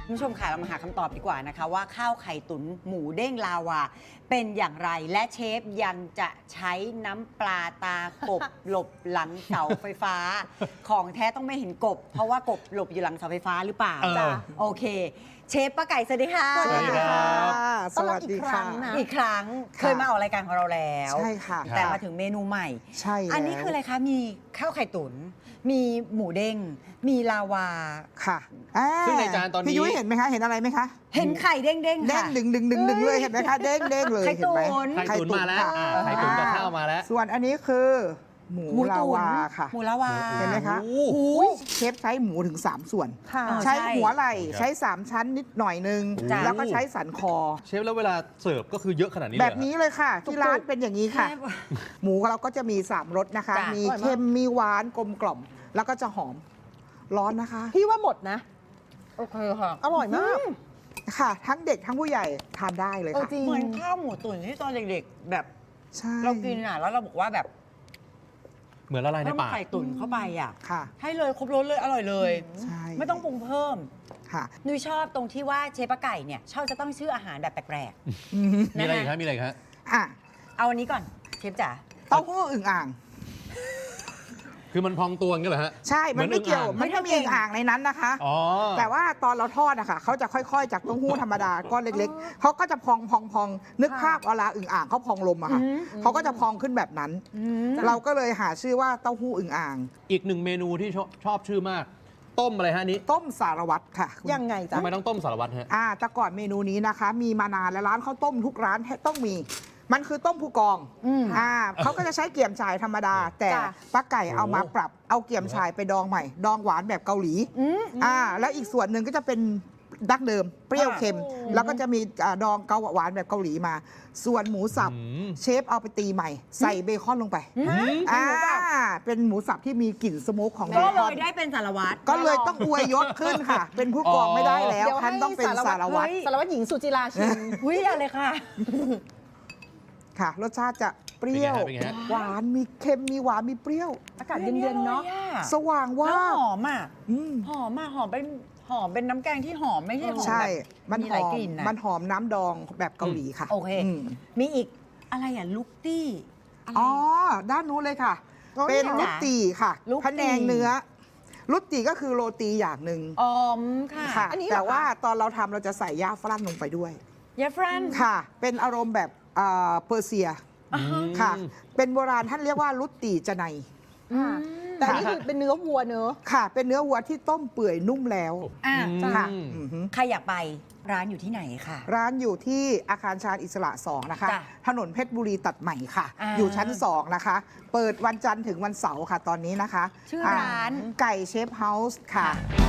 คุณผู้ชมค่ะเรามาหาคำตอบดีกว่านะคะว่าข้าวไข่ตุ๋นหมูเด้งลาวาเป็นอย่างไรและเชฟยังจะใช้น้ำปลาตากบ หลบหลังเสาไฟฟ้า ของแท้ต้องไม่เห็นกบ เพราะว่ากบหลบอยู่หลังเสาไฟฟ้าหรือเปล่าจ้ะโอเค เชฟป้าไก่สวัสดีค่ะสวัสดีครับสวัสดีค่ะอีกครั้งเคยมาออกรายการของเราแล้วใช่ค่ะแต่มาถึงเมนูใหม่ใช่แล้วอันนี้คืออะไรคะมีข้าวไข่ตุ๋นมีหมูเด้งมีลาวาค่ะซึ่งในจานตอนนี้พี่ยุ้ยเห็นไหมคะ เห็นอะไรไหมคะเห็นไข่เด้งๆเด้งค่ะดึงเลยเห็นไหมคะ เด้งเลยไข่เห็นไหมตุ๋นไข่ตุ๋นมาแล้วค่ะไข่ตุ๋นกับข้าวมาแล้วส่วนอันนี้คือหมูหมูลาตุ๋นวาค่ะหมูลาวาเห็นไหมคะโอ้โหเชฟใช้หมูถึง 3 ส่วนค่ะใช้ใช่หัวไหล่ใช้ 3 ชั้นนิดหน่อยนึงจ้ะแล้วก็ใช้สันคอเชฟแล้วเวลาเสิร์ฟก็คือเยอะขนาดนี้เลยแบเหรอบนี้เลยค่ะ ที่ร้านเป็นอย่างนี้ค่ะเชฟหมูเราก็จะมี 3 รสนะคะจ้ะมีเค็มมีหวานกลมกล่อม แล้วก็จะหอมร้อนนะคะพี่ว่าหมดนะโอเคค่ะอร่อยมากค่ะ ทั้งเด็กทั้งผู้ใหญ่ทานได้เลยเออค่ะจริงเหมือนข้าวหมูตุ๋นที่ตอนเด็กๆ แบบใช่เรากินอ่ะแล้วเราบอกว่าแบบเหมือนละลายในต้องปากไข่ตุ๋นเข้าไปอ่ะค่ะให้เลยครบรสเลยอร่อยเลยใช่ไม่ต้องปรุงเพิ่มค่ะนุ้ยชอบตรงที่ว่าเชฟป้าไก่เนี่ยชอบจะต้องชื่ออาหารแบบแปลกมีอะไรอีกครับมีอะไรอีกครับอ่ะๆ เอาอันนี้ก่อนเชฟจ๋าเต้าหู้อึ่งอ่างคือมันพองตัวอย่างเงี้ยเหรอฮะใช่มันไม่เกี่ยวเหมือนอึ่งอ่างมันไม่มีอึ่งอ่างในนั้นนะคะอ๋อแต่ว่าตอนเราทอดอะค่ะเขาจะค่อยๆ จากเต้าหู้ธรรมดาก้อนเล็กๆเขาก็จะพองนึกภาพเวลาอึ่งอ่างเขาพองลมอะค่ะเขาก็จะพองขึ้นแบบนั้น เราก็เลยหาชื่อว่าเต้าหู้อึ่งอ่างอีกหนึ่งเมนูที่ชอบชื่อมาก ต้มอะไรฮะอันนี้ต้มสารวัตรค่ะคุณยังไงจ๊ะทำไมต้องต้มสารวัตรฮะแต่ก่อนเมนูนี้นะคะ มีมานานแล้วร้านข้าวต้มทุกร้านต้องมี มันคือต้มผู้กองเขาก็จะใช้เกี่ยมฉ่ายธรรมดา แต่จ้ะป้าไก่เอามาโอ้ปรับเอาเกี่ยมฉ่ายไปดองใหม่ ดองหวานแบบเกาหลีแล้วอีกส่วนหนึ่งก็จะเป็นดั้งเดิม เปรี้ยวเค็ม แล้วก็จะมีดองเกาหวานแบบเกาหลีมา ส่วนหมูสับอืมเชฟเอาไปตีใหม่ ใส่เบคอนลงไปเป็นหมูสับที่มีกลิ่นสโมกของเบก็คเลอนยได้เป็นสารวัตรก็เลยต้องอวยยศขึ้นค่ะ เป็นผู้กองไม่ได้แล้วเดี๋ยวท่านให้ต้องเป็นสารวัตรสารวัตรหญิงสุจิราชินอุ้ยอะไรค่ะค่ะ รสชาติจะเปรี้ยวเป็นไงฮะหวานมีเค็มมีหวานมีเปรี้ยวอากาศเย็นๆเนาะสว่างว่าแล้วบหอมอ่ะอืมหอมอ่ะหอมเป็นน้ำแกงที่หอมไม่ใช่หอมใช่แบบมันมีหหลายอมกลิ่นนะมันหอมน้ำดองแบบเกาหลีค่ะโอเคมมีอีกอะไรอ่ะลูกตี้อะไรอ๋อ ด้านนู้นเลยค่ะอ๋อเป็นเหรอลุตตีค่ะลุตตี้พะแนงเนื้อ ลุตตีก็คือโรตีอย่างหนึ่งออมค่ะค่ะอันนี้เหรอแต่คะว่าตอนเราทำเราจะใส่ย่าฝรั่งลงไปด้วยยาฟรันค่ะ เป็นอารมณ์แบบเปอร์เซียอ่าฮะค่ะ เป็นโบราณท่านเรียกว่าลุตตีจะในแต่อันนี่คือเป็นเนื้อวัวเนื้อะค่ะ เป็นเนื้อวัวที่ต้มเปื่อยนุ่มแล้วอ่ะค่ะอืมอือหือใครอยากไปร้านอยู่ที่ไหนค่ะร้านอยู่ที่อาคารชาญอิสระ 2 นะคะจ้ะถนนเพชรบุรีตัดใหม่ค่ะอ่าอยู่ชั้น 2 นะคะ เปิดวันจันทร์ถึงวันเสาร์ค่ะตอนนี้นะคะชื่อร้านไก่เชฟเฮาส์ค่ะค่ะ